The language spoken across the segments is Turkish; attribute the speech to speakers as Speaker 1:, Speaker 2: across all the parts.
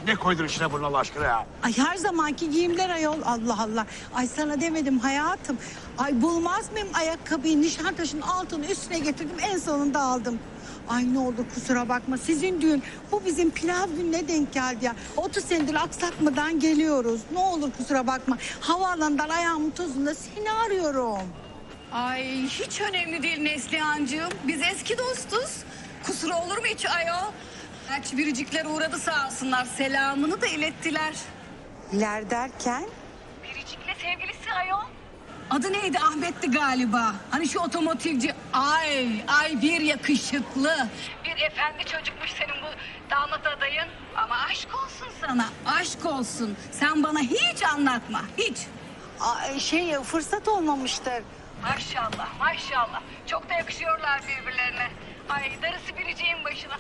Speaker 1: Ne koydun içine bunun Allah aşkına ya?
Speaker 2: Ay her zamanki giyimler ayol, Allah Allah. Ay sana demedim hayatım. Ay bulmaz mıyım ayakkabıyı, Nişantaşı'nın altını üstüne getirdim, en sonunda aldım. Ay ne olur kusura bakma, sizin düğün bu bizim pilav gününe denk geldi ya. 30 senedir aksatmadan geliyoruz. Ne olur kusura bakma. Havaalanından ayağımın tozunda seni arıyorum.
Speaker 3: Ay hiç önemli değil Neslihan'cığım. Biz eski dostuz. Kusuru olur mu hiç ayol? Gerçi biricikler uğradı sağ olsunlar. Selamını da ilettiler.
Speaker 2: İler derken?
Speaker 3: Biricik'le sevgilisi ayol. Adı neydi? Ahmet'ti galiba. Hani şu otomotivci. Ay bir yakışıklı. Bir efendi çocukmuş senin bu damat adayın. Ama aşk olsun sana. Aşk olsun. Sen bana hiç anlatma. Hiç.
Speaker 2: Fırsat olmamıştır.
Speaker 3: Maşallah maşallah. Çok da yakışıyorlar birbirlerine. Ay darısı Biricik'in başına.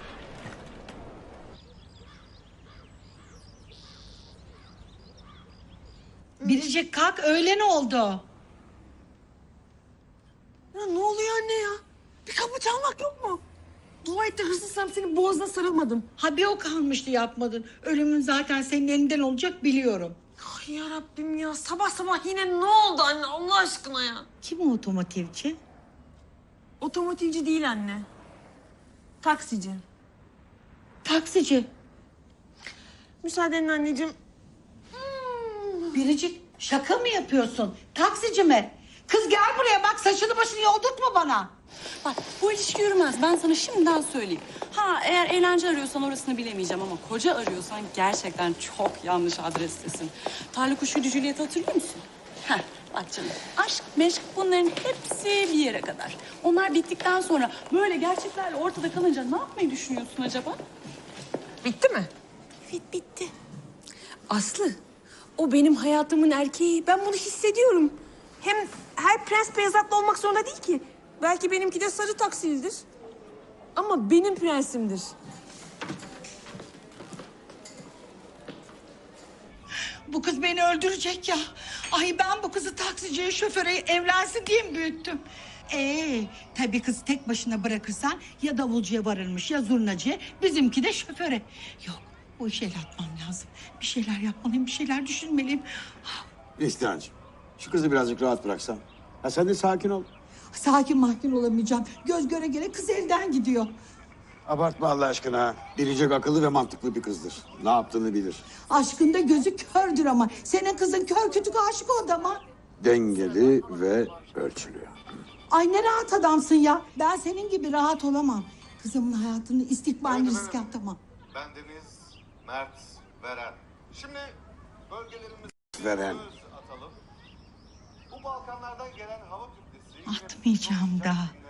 Speaker 2: Biricik kalk, öğlen oldu.
Speaker 4: Ya ne oluyor anne ya? Bir kapı çalmak yok mu? Dua et de hırsızsam senin boğazına sarılmadım.
Speaker 2: Ha bir o kalmıştı yapmadın. Ölümün zaten senin elinden olacak biliyorum.
Speaker 4: Ay yarabbim ya, sabah sabah yine ne oldu anne Allah aşkına ya?
Speaker 2: Kim o otomotivci?
Speaker 4: Otomotivci değil anne. Taksici.
Speaker 2: Taksici.
Speaker 4: Müsaadenle anneciğim.
Speaker 2: Biricik şaka mı yapıyorsun? Taksici mi? Kız gel buraya bak, saçını başını yoldurtma bana.
Speaker 5: Bak bu ilişki yürümez. Ben sana şimdiden söyleyeyim. Ha eğer eğlence arıyorsan orasını bilemeyeceğim ama koca arıyorsan gerçekten çok yanlış adrestesin. Tarla kuşuydu Juliet'i hatırlıyor musun? Heh, bak canım. Aşk, meşk bunların hepsi bir yere kadar. Onlar bittikten sonra böyle gerçeklerle ortada kalınca ne yapmayı düşünüyorsun acaba?
Speaker 4: Bitti mi?
Speaker 2: Evet bitti.
Speaker 4: Aslı, o benim hayatımın erkeği. Ben bunu hissediyorum. Hem her prens beyaz atlı olmak zorunda değil ki. Belki benimki de sarı taksilidir. Ama benim prensimdir.
Speaker 2: Bu kız beni öldürecek ya. Ay ben bu kızı taksiciye, şoföre evlensin diye mi büyüttüm? Tabii kız tek başına bırakırsan ya davulcuya varırmış ya zurnacıya, bizimki de şoföre. Yok, bu işe el atmam lazım. Bir şeyler yapmalıyım, bir şeyler düşünmeliyim.
Speaker 1: Neslihan'cığım, şu kızı birazcık rahat bıraksan. Ha sen de sakin ol.
Speaker 2: Sakin mahkin olamayacağım. Göz göre göre kız elden gidiyor.
Speaker 1: Abartma Allah aşkına. Biricik akıllı ve mantıklı bir kızdır. Ne yaptığını bilir.
Speaker 2: Aşkında gözü kördür ama. Senin kızın kör kütük aşık o adama.
Speaker 1: Dengeli ve ölçülü.
Speaker 2: Ay ne rahat adamsın ya. Ben senin gibi rahat olamam. Kızımın hayatını, istikbalini riske atamam.
Speaker 6: Bendeniz Mert Veren. Şimdi bölgelerimizi
Speaker 1: Veren.
Speaker 6: atalım. Bu Balkanlardan gelen hava kütlesi...
Speaker 2: Atmayacağım daha.